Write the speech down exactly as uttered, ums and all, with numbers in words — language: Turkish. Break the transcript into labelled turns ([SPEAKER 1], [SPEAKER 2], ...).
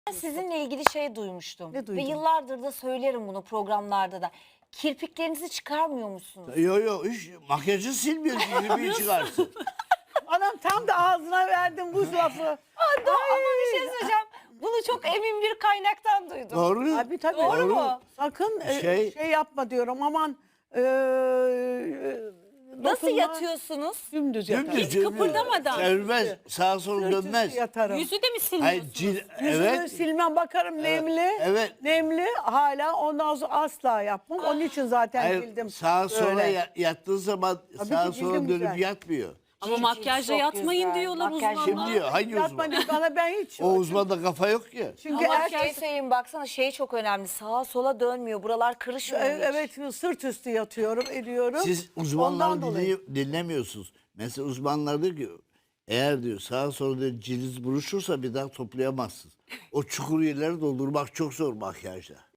[SPEAKER 1] Sizinle ilgili şey duymuştum.
[SPEAKER 2] Ne
[SPEAKER 1] Ve
[SPEAKER 2] duydun?
[SPEAKER 1] yıllardır da söylerim bunu programlarda da. Kirpiklerinizi çıkarmıyor musunuz?
[SPEAKER 3] Yok yok hiç makyajı silmiyor ki kirpiği çıkarsın.
[SPEAKER 2] Anam tam da ağzına verdim bu lafı.
[SPEAKER 1] Aa, doğru, ama bir şey söyleyeceğim. Bunu çok emin bir kaynaktan duydum.
[SPEAKER 3] Doğru.
[SPEAKER 2] Abi tabii.
[SPEAKER 1] Doğru mu?
[SPEAKER 2] Sakın e,
[SPEAKER 3] Şey-
[SPEAKER 2] şey, yapma diyorum aman. E,
[SPEAKER 1] Nasıl
[SPEAKER 2] dokunma,
[SPEAKER 1] yatıyorsunuz?
[SPEAKER 2] Dümdüz yatarım.
[SPEAKER 3] Dümdüz, dümdüz.
[SPEAKER 4] kıpırdamadan.
[SPEAKER 3] Sermez. Sağa sola
[SPEAKER 2] Sırt üstü
[SPEAKER 3] dönmez.
[SPEAKER 2] yatarım.
[SPEAKER 4] Yüzü de mi
[SPEAKER 3] Hayır,
[SPEAKER 4] silmiyorsunuz?
[SPEAKER 3] cil,
[SPEAKER 2] Yüzümü
[SPEAKER 3] evet.
[SPEAKER 2] silmem bakarım nemli.
[SPEAKER 3] evet.
[SPEAKER 2] Nemli hala ondan sonra asla yapmam. Onun için zaten
[SPEAKER 3] Hayır,
[SPEAKER 2] sildim.
[SPEAKER 3] sağa sola
[SPEAKER 2] Böyle.
[SPEAKER 3] ya- yattığı zaman
[SPEAKER 2] Tabii
[SPEAKER 3] sağa
[SPEAKER 2] ki
[SPEAKER 3] sola
[SPEAKER 2] cildim
[SPEAKER 3] dönüp
[SPEAKER 2] güzel.
[SPEAKER 3] yatmıyor.
[SPEAKER 4] Ama
[SPEAKER 1] Cilt
[SPEAKER 4] makyajla
[SPEAKER 1] çok
[SPEAKER 4] yatmayın
[SPEAKER 1] güzel.
[SPEAKER 4] diyorlar
[SPEAKER 1] Makyaj-
[SPEAKER 4] uzmanlar.
[SPEAKER 3] Kim diyor? Hangi
[SPEAKER 2] Yapma
[SPEAKER 3] uzman?
[SPEAKER 2] diyor, bana ben hiç.
[SPEAKER 3] O uzmanda kafa yok ya.
[SPEAKER 2] Çünkü
[SPEAKER 1] Ama
[SPEAKER 2] erkek
[SPEAKER 1] şey söyleyeyim, baksana şey çok önemli. Sağa sola dönmüyor. Buralar kırışmıyor
[SPEAKER 2] E,
[SPEAKER 1] hiç.
[SPEAKER 2] evet sırt üstü yatıyorum ediyorum.
[SPEAKER 3] Siz
[SPEAKER 2] Ondan
[SPEAKER 3] uzmanları
[SPEAKER 2] dolayı.
[SPEAKER 3] dinley- dinlemiyorsunuz. Mesela uzmanlar diyor ki eğer diyor sağa sola diyor, cildiniz buruşursa bir daha toplayamazsınız. O çukur yerleri doldurmak çok zor makyajla.